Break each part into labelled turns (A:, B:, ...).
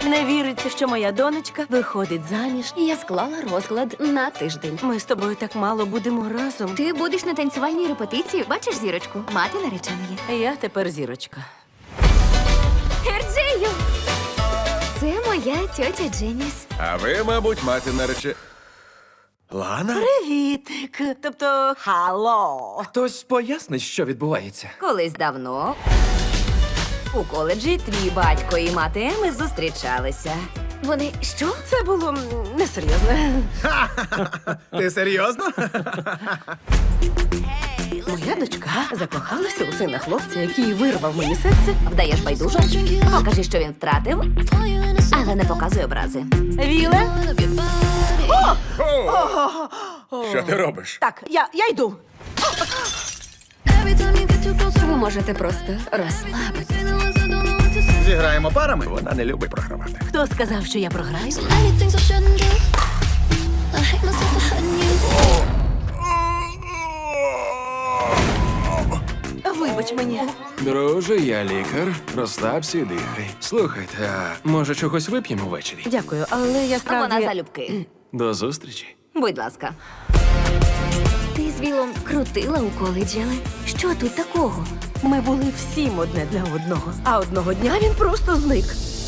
A: Не віриться, що моя донечка виходить заміж.
B: Я склала розклад на тиждень.
A: Ми з тобою так мало будемо разом.
B: Ти будеш на танцювальній репетиції, бачиш зірочку? Мати нареченої.
A: Я тепер зірочка.
B: Ерджею! Це моя тьотя Дженіс.
C: А ви, мабуть, мати нарече... Лана?
A: Привітик. Тобто, хало.
D: Хтось пояснить, що відбувається.
B: Колись давно у коледжі твій батько і мати Еми зустрічалися. Вони що?
A: Це було несерйозно.
C: Ти серйозно?
A: Моя дочка закохалася у сина хлопця, який вирвав мені серце.
B: Вдаєш байдуже? Покажи, що він втратив, але не показуй образи.
A: Віле?
C: Що ти робиш?
A: Так, я йду.
B: Ви можете просто розслабитися.
C: Зіграємо парами? Вона не любить програвати.
A: Хто сказав, що я програю?
E: Many things I shouldn't do. I hate myself for hurting you.
A: Вибач мені.
D: Друже, я лікар. Розслабся і дихай. Слухайте, а може чогось вип'ємо ввечері?
A: Дякую, але я справді...
B: Вона залюбки.
D: До зустрічі.
B: Будь ласка. Ти з Вілом крутила у коледжі, але що тут такого?
A: Ми були всім одне для одного. А одного дня він просто зник.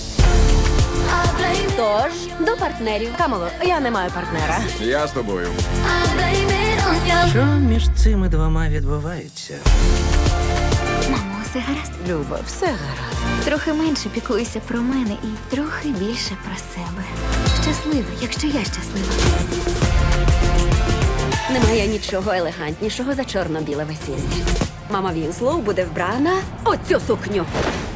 E: I blame it.
B: Тож, до партнерів.
A: Камело, я не маю партнера.
C: Я з тобою.
E: I blame it on you.
F: Що між цими двома відбувається?
B: Мамо, все гаразд?
A: Люба, все гаразд.
B: Трохи менше піклуйся про мене і трохи більше про себе. Щаслива, якщо я щаслива. Немає нічого елегантнішого за чорно-біле весілля. Мама Вінслоу буде вбрана у цю сукню.